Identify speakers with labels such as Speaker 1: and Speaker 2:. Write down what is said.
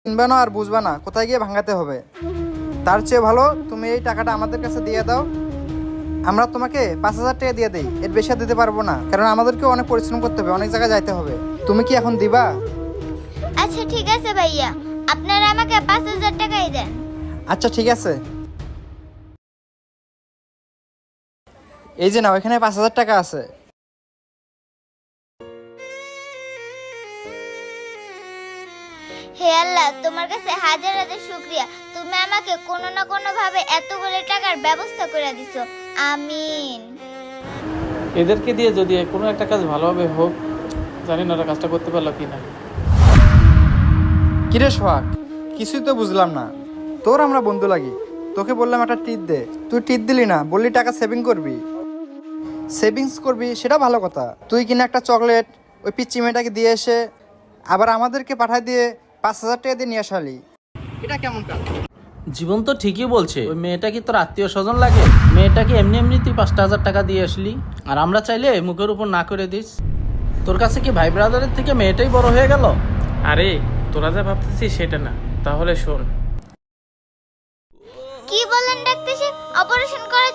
Speaker 1: কিনবা না আর বুঝবা না কোথায় গিয়ে ভাঙাতে হবে। তার চেয়ে ভালো তুমি এই টাকাটা আমাদের কাছে দিয়ে দাও, আমরা তোমাকে 5,000 টাকা দিয়ে দেই, এর বেশি আর দিতে পারবো না, কারণ আমাদেরকেও অনেক পরিশ্রম করতে হবে, অনেক জায়গায় যাইতে হবে। তুমি কি এখন দিবা?
Speaker 2: আচ্ছা ঠিক আছে ভাইয়া, আপনারা আমাকে 5,000 টাকাই দেন।
Speaker 1: আচ্ছা ঠিক আছে, এই যে নাও, এখানে 5,000 টাকা আছে।
Speaker 2: হে আল্লাহ, তোমার কাছে হাজার হাজার শুকরিয়া, তুমি আমাকে কোনো না কোনো ভাবে এতগুলো টাকার ব্যবস্থা করে দিছো। আমিন।
Speaker 3: এদেরকে দিয়ে যদি কোনো একটা কাজ ভালোভাবে হোক, জানি না ওরা কাজটা করতে পারলো কি না।
Speaker 1: কিরে সোহাগ, কিছুই তো বুঝলাম না। তোর আমরা বন্ধু লাগি, তোকে বললাম একটা টিপ দে, তুই টিপ দিলি না, বললি টাকা সেভিংস করবি, সেটা ভালো কথা। তুই কিনা একটা চকলেট ওই পিচ্চি মেয়েটাকে দিয়ে এসে আবার আমাদেরকে পাঠায় দিয়ে 5,000 টাকা দিয়ে নিয়ে আসালি, এটা কেমন কাজ?
Speaker 4: জীবন তো ঠিকই বলছে, ওই মেয়েটা কি তোর আত্মীয় স্বজন লাগে? মেয়েটাকে এমনি এমনি তুই 5,000 টাকা দিয়ে আসলি, আর আমরা চাইলে মুখের উপর না করে দিস। তোর কাছে কি ভাই ব্রাদারের থেকে মেয়েটাই বড় হয়ে গেল?
Speaker 3: আরে তোরা যা ভাবতেছিস সেটা না, তাহলে শোন।
Speaker 2: কি বলেন ডাক্তার সাহেব, অপারেশন করার